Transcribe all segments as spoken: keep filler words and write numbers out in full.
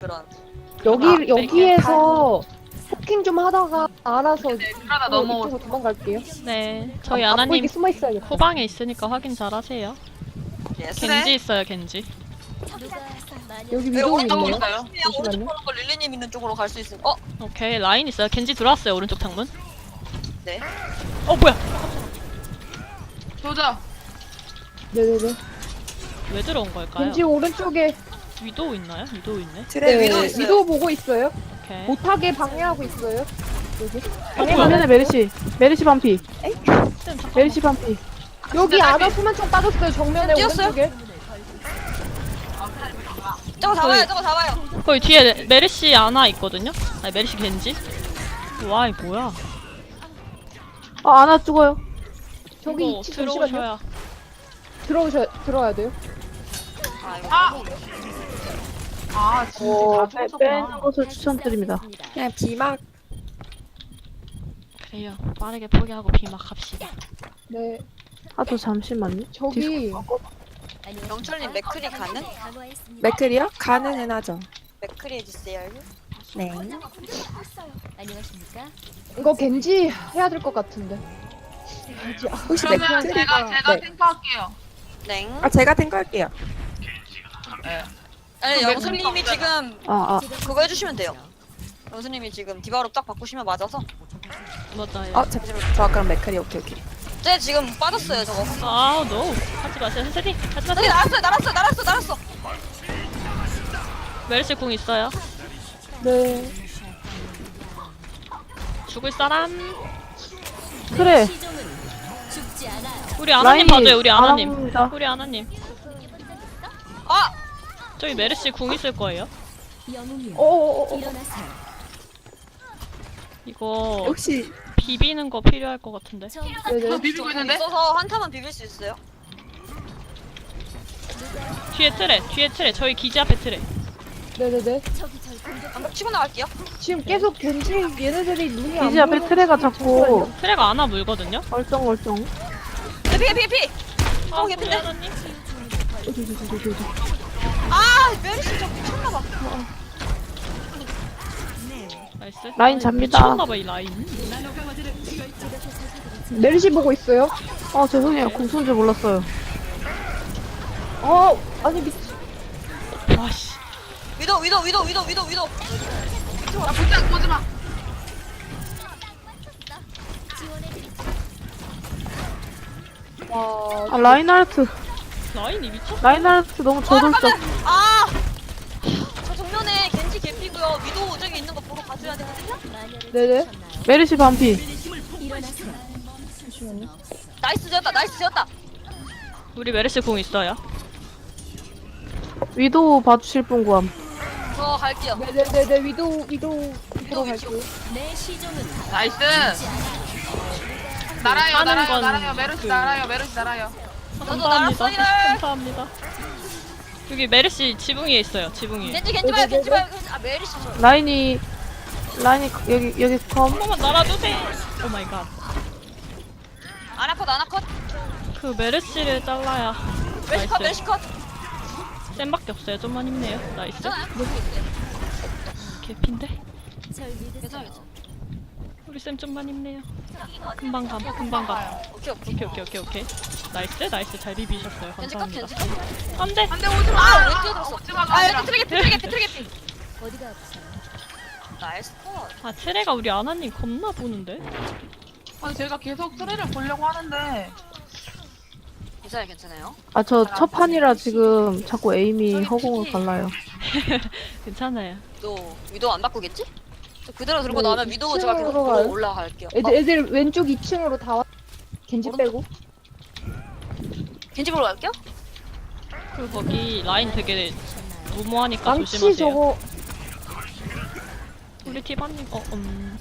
그런. 여기 아, 여기에서 포킹 좀 하다가 알아서 그러다 또 넘어. 이쪽으로 도망갈게요. 네, 저희 아, 안 아나님 보이게 숨어 있어야겠다. 후방에 있으니까 확인 잘 하세요. 예스. 겐지 있어요, 겐지. 여기 네, 위도 오른쪽으로 있네요. 있어요. 조심해요. 오른쪽 잠시만요. 보는 거 릴리님 있는 쪽으로 갈 수 있을. 어? 오케이, 라인 있어요. 겐지 들어왔어요, 오른쪽 창문. 네. 어, 뭐야? 조져. 네네네. 왜 들어온 걸까요? 왠지 오른쪽에 위도우 있나요? 위도우 있네. 네, 위도 있어요. 위도 보고 있어요. 오케이. 못하게 방해하고 있어요. 여기. 어, 뭐야? 정면에 메르시 메르시 반피 쌤, 잠깐만. 메르시 반피 여기 아나 수만총 빠졌어요. 정면에 뛰었어요? 오른쪽에. 저거 잡아요. 저거 잡아요. 거기 뒤에 메르시 아나 있거든요? 아니, 메르시 겐지? 와, 이 뭐야? 아 아나 죽어요 저기 이거 위치 잠시만요. 들어오셔야. 들어오셔 들어야 돼요. 아, 이거 아! 너무- 아, 진짜 어, 다 빼, 죽었구나. 빼는 것을 추천드립니다 그냥 비막 그래요. 빠르게 포기하고 비막합시다. 네. 아 저 잠시만요 저기 영철님 맥크리 가능? 맥클이요? 가능은 하죠. 맥크리 해주세요. 네. 안녕하십니까? 이거 겐지 해야 될 것 같은데. 겐지. 아, 혹시 그러면 맥클? 제가 제가 네. 탱커할게요. 네. 아 제가 탱커할게요. 네. 아니 그럼 영수님이 맥크리 지금 아아 그거 해주시면 돼요. 영수님이 지금 디바로 딱 바꾸시면 맞아서. 맞아요. 어 잠시만 저 그럼 맥클이 오케이 오케이. 쟤 지금 빠졌어요 저거. 아, 노. 하지 마세요, 선생님. 하지 저기 마세요. 날았어요 날았어 날았어 날았어. 메르시 궁 있어요. 네. 죽을 사람. 그래 죽지 않아요. 우리 아나님 라인이 봐줘요, 우리 아나님. 아나입니다. 우리 아나님. 아! 저기 메르시 궁 있을 거예요. 영웅이요. 어어어. 일어나세요. 이거 혹시 비비는 거 필요할 것 같은데. 저 네네. 비비고 있는데? 있어서 한타만 비빌 수 있어요. 뒤에 트레, 뒤에 트레. 저희 기지 앞에 트레. 네네네. 저기 절 공격. 방금 치고 나갈게요. 지금 계속 겐지 얘네들이 눈이 안 기지 앞에 보여서 트레가 지금 자꾸 트레가 안아 물거든요. 얼쩡얼쩡 해피 해피 해피. 아, 어, 우리 예쁜데? 아나님. 아 메르시 저 미쳤나봐. 나이스. 라인 아니, 잡니다. 미쳤나봐, 이 라인. 메르시 보고 있어요. 아 죄송해요 궁쏜 줄 몰랐어요 어 아니 미. 와씨. 위도 위도 위도 위도 위도 위도. 아, 보지 보지 마. 와. 아 라인하르트 라인이 미쳤어. 라인하르트 너무 아 저돌적 잠깐만. 아. 저 정면에 겐지 개피고요. 위도 저기 있는 거 보러 가줘야 되거든요. 네네. 메르시 반피 일어나세요. 나이스 지었다. 나이스 지었다. 우리 메르시 궁 있어요. 위도우 봐주실 분 구함 저 갈게요. 네네네네 위도 위도 위도 보러 위치. 갈게요. 내 시종은 나이스. 날아요, 하는 날아요, 건 날아요. 메르시 그- 날아요, 메르시 날아요. 감사합니다. 날았어, 이래. 감사합니다. 여기 메르시 지붕 위에 있어요. 지붕 위에. 겐지 겐지 봐요. 겐지 봐요. 아 메르시 저. 라인이 라인이 여기 여기 컴 한 번만 날아주세요. 오 마이 갓. 아나컷 아나컷. 그 메르시를 잘라야. 메시컷 나이스. 메시컷. 쌤밖에 없어요. 좀만 힘내요. 나이스. 괜찮아요? 개핀데? 절 믿으세요. 괜찮아요. 우리 쌤 좀만 힘내요. 금방 감. 금방 감. 오케이 오케이. 오케이 오케이 오케이 오케이. 나이스 나이스 잘 비비셨어요. 겐지 컷 감사합니다. 겐지 컷. 안돼. 안돼 오지 마. 아, 왜 뛰어들었어? 오지 마. 아 여기 트랙에 트랙에 트랙에 피. 어디가 아프세요? 나이스 컷. 아 트레가 우리 아나님 겁나 보는데? 아니 제가 계속 트레를 보려고 하는데 괜찮아요 괜찮아요. 아 저 첫 판이라 지금 자꾸 에임이 허공을 갈라요 괜찮아요. 위도 위도 안 바꾸겠지? 저 그대로 들고 네, 나면 위도 제가 계속 이층으로 보러 가요? 올라갈게요. 애들 어, 애들 왼쪽 이 층으로 다 왔. 겐지 오른쪽? 빼고. 겐지 보러 갈게요. 그리고 거기 라인 되게 무모하니까 망치 조심하세요. 저거 우리 티바님 어 음.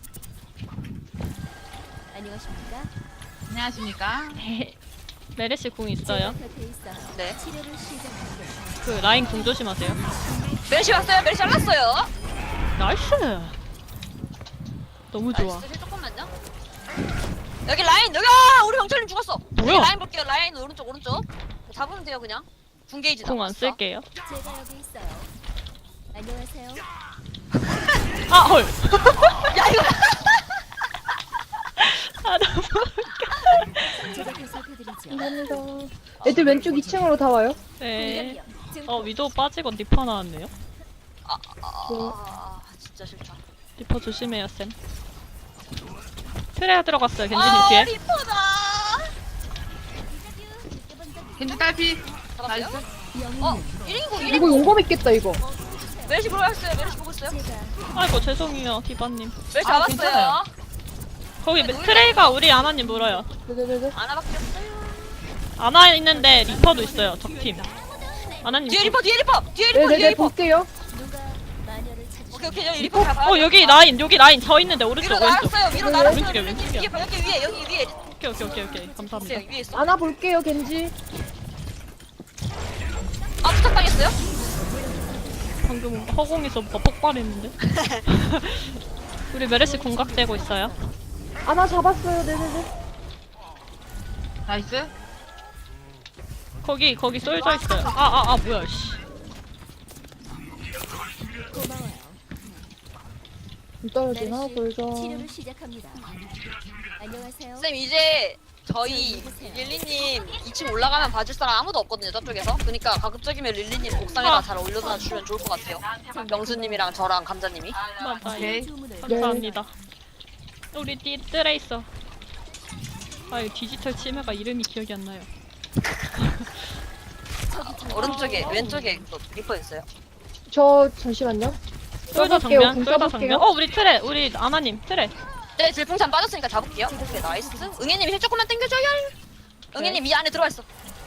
안녕하십니까? 안녕하십니까? 메르시 궁 있어요. 제가 곁에 있어요. 네. 치료를 시작합니다. 그 라인 궁 조심하세요. 메르시 왔어요. 메르시 잘랐어요. 나이스. 너무 좋아. 나이스. 조금만요. 여기 라인 여기 아 우리 영철님 죽었어. 뭐야? 여기 라인 볼게요. 라인 오른쪽 오른쪽. 잡으면 돼요 그냥. 궁 게이지 궁 안 남았어. 쓸게요. 제가 여기 있어요. 안녕하세요. 아 헐. 야 이거 아 너무. 제가 보살펴드리죠. 감사합니다. 애들 왼쪽 이 층으로 다 와요. 네. 공격력 증폭. 어 위도우 빠지고 리퍼 나왔네요. 아 진짜 싫다. 리퍼 조심해요 쌤. 트레야 들어갔어요 겐지님 아 뒤에. 리퍼다. 겐지 딸피. 잡았어요? 나이스. 어 일 인공 일 이거 인공. 용검 있겠다 이거. 메르시 보러 갔어요. 메르시 보고 있어요. 제가 아이고 죄송해요 디바님. 메르시 아, 잡았어요. 괜찮아요. 거기 트레이가 우리 아나님 물어요. 네네네. 아나밖에 없어요. 아나 있는데 리퍼도 있어요 적팀. 아나님. 뒤에 리퍼 뒤에 리퍼 뒤에 리퍼 뒤에 네네네 리퍼. 볼게요. 누가 마녀를 찾으시 오케이 오케이 여기 리퍼 가봐. 어 여기 라인 여기 라인 저 있는데 오른쪽 위로 왼쪽. 날았어요. 위로 네, 날았어요. 왼쪽이야, 여기 왼쪽이야. 위에 여기 위에 여기 위에 오케이 오케이 오케이 오케이 감사합니다. 여기 위에 있어. 안아 볼게요 겐지. 아 부탁당했어요? 방금 허공에서 뭐 폭발했는데. 우리 메르시 공각되고 있어요. 안아 잡았어요. 네네네. 나이스. 거기 거기 쏠져 있어요. 아 아 아 뭐야 씨. 고마워요. 좀 떨어지나 메르시 보여줘. 치료를 시작합니다. 안녕하세요. 쌤 이제 저희 릴리님 이 층 올라가면 봐줄 사람 아무도 없거든요 저쪽에서. 그러니까 가급적이면 릴리님 옥상에다 아. 잘 올려놔 주면 좋을 것 같아요. 명수님이랑 저랑 감자님이. 맞아요. 오케이. 주문을 감사합니다. 우리 띠 트레이서. 아유 디지털 치매가 이름이 기억이 안 나요. 오른쪽에 왼쪽에 또 리퍼 있어요. 저 잠시만요. 쏠져 쏠게요. 정면 궁 쏠져 써볼게요. 정면. 어 우리 트레 우리 아나님 트레. 네 질풍참 빠졌으니까 잡을게요. 오케이 나이스. 응애님 힐 조금만 당겨줘요. 응애님 이 안에 들어와 있어.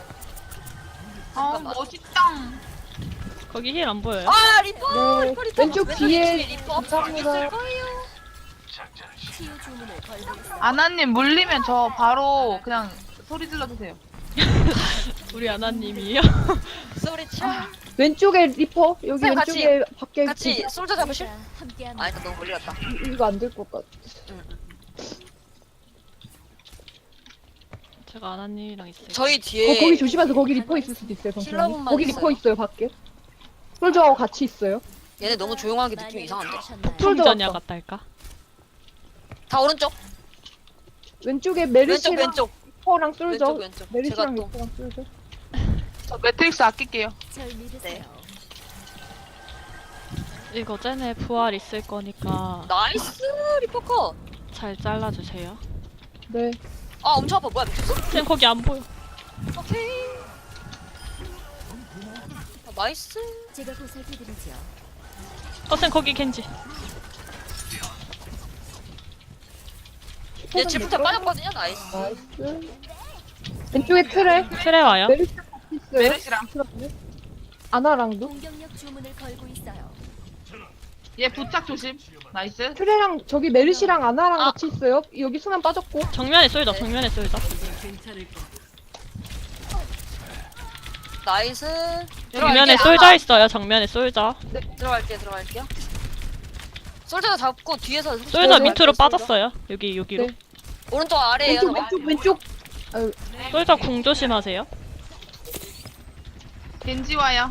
아 잠깐만. 멋있다. 거기 힐 안 보여요? 아 리퍼 네, 리퍼 리퍼. 왼쪽 뒤에 리퍼 감사합니다. 있을 거예요. 치유 주문을 걸고 있어요. 아나님 물리면 저 바로 그냥 소리 질러주세요. 우리 아나님이요? 소리 쳐. 왼쪽에 리퍼 여기 쌤, 왼쪽에 밖에 같이 솔저 잡으실? 제가 함께합니다. 아 일단 너무 멀리 갔다. 이- 이거 안 될 것 같아. 제가 아나님이랑 있어요. 저희 어, 뒤에 거기 조심하세요. 거기 리퍼 있을 수도 있어요. 잠시만요. 힐러분만 거기 있어요. 리퍼 있어요 밖에. 솔저하고 같이 있어요. 얘네 너무 조용하게 느낌이 마녀를 이상한데. 찾으셨나요? 풍전야 왔다. 같달까? 다 오른쪽. 왼쪽에 왼쪽 메르시랑 왼쪽. 리퍼랑 솔저. 왼쪽 왼쪽. 제가 메르시랑 또 리퍼랑 솔저. 저 매트릭스 아낄게요. 절 믿으세요. 네. 이거 쟤네 부활 있을 거니까 나이스 리퍼 컷. 잘 잘라주세요. 네. 아 엄청 아파. 뭐야 미쳤어? 쟤 거기 안 보여. 오케이. 아, 나이스. 제가 보살펴드리죠. 어쌤 거기 겐지. 얘 질풍차 빠졌거든요. 나이스. 나이스. 왼쪽에 트레. 트레 와요. 메르시랑 같이 있어요. 메르시랑. 트레. 아나랑도. 공격력 주문을 걸고 있어요. 얘 부착 조심. 나이스. 트레랑 저기 메르시랑 아나랑 아. 같이 있어요. 여기 수면 빠졌고. 정면에 쏠자 정면에 쏠자. 나이스. 정면에 들어갈게요. 쏠자 있어요. 정면에 쏠자. 네, 들어갈게요. 들어갈게요. 솔저도 잡고 뒤에서 쏠자 네, 밑으로 솔저. 빠졌어요. 여기 여기로. 네. 오른쪽 아래에요. 왼쪽 저거. 왼쪽 왼쪽. 아유, 쏠자 궁 조심하세요. 겐지 와요.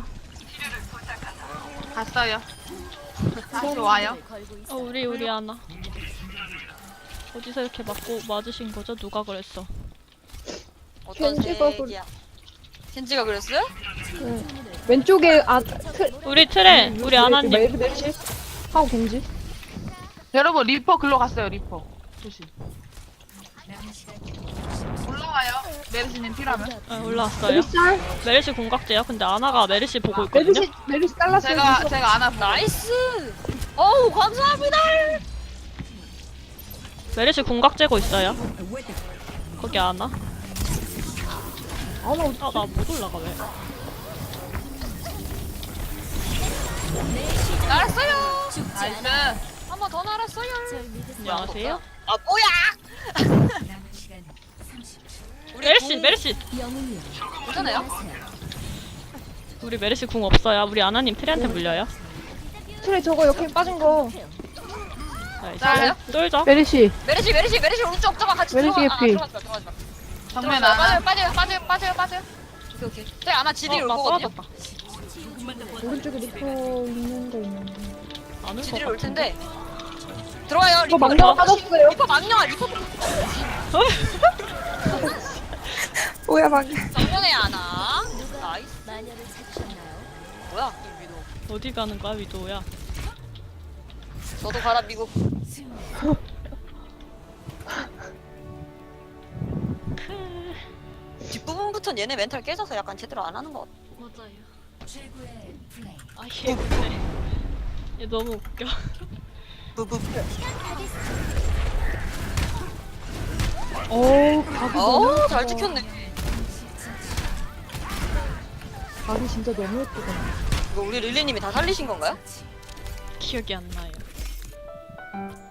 갔어요. 다시 와요. 주문을 걸고 어 있어요. 우리 우리 아나. 어디서 이렇게 맞고 맞으신 거죠? 누가 그랬어? 어떤 켄지가 색이야? 켄지가 그랬어요? 네. 왼쪽에 아 트. 우리 트레 우리 아나님. 메르 메르시 하고 겐지. 여러분 리퍼 글로 갔어요. 리퍼 조심. 올라와요. 메르시님 필요하면. 아, 올라왔어요. 메르시 메르시 공각제요. 근데 아나가 메르시 보고 있거든요. 메르시 메르시 잘랐어요. 제가 메르시. 제가 안아 보고. 나이스. 어우 감사합니다. 메르시 공각제고 있어요. 거기 아나. 아나 아 나 못 올라가 왜? 날았어요. 나이스. 한 번 더 날았어요. 절 믿으세요. 안녕하세요. 아 뭐야? 우리 메르시 궁 메르시. 영웅이요. 괜찮아요? 안녕하세요. 우리 메르시 궁 없어요. 우리 아나님 트레한테 물려요. 트레 저거 옆에 빠진 거. 나이스. 잘해요? 쏠자. 메르시. 메르시 메르시 메르시 오른쪽 저거 같이 메르시 들어가. 아, 개피. 들어가지 마 들어가지 마. 정면 들어가지 마. 안아. 빠져요 빠져요 빠져요 빠져요 빠져요. 오케이 오케이. 저 아마 지들이 어, 올 나 거거든요. 쏴졌다. 오른쪽에 리퍼 있는 데 있는데. 안올 지들이 것 올 같은데. 텐데. 들어와요. 리퍼 리퍼 망령 빠졌어요. 리퍼 망령아. 리퍼 뭐야 방금. 정면에 하나. 나이스. 마녀를 찾으셨나요? 뭐야? 이 위도. 어디 가는 거야 위도야? 저도 가라 미국. 뒷부분부터는 얘네 멘탈 깨져서 약간 제대로 안 하는 것 같아. 맞아요. 아얘 근데 얘 너무 웃겨. 부부. 어우, 각이 너무 어, 예쁘다. 잘 찍혔네. 각이 진짜 너무 예쁘다. 이거 우리 릴리님이 다 살리신 건가요? 기억이 안 나요.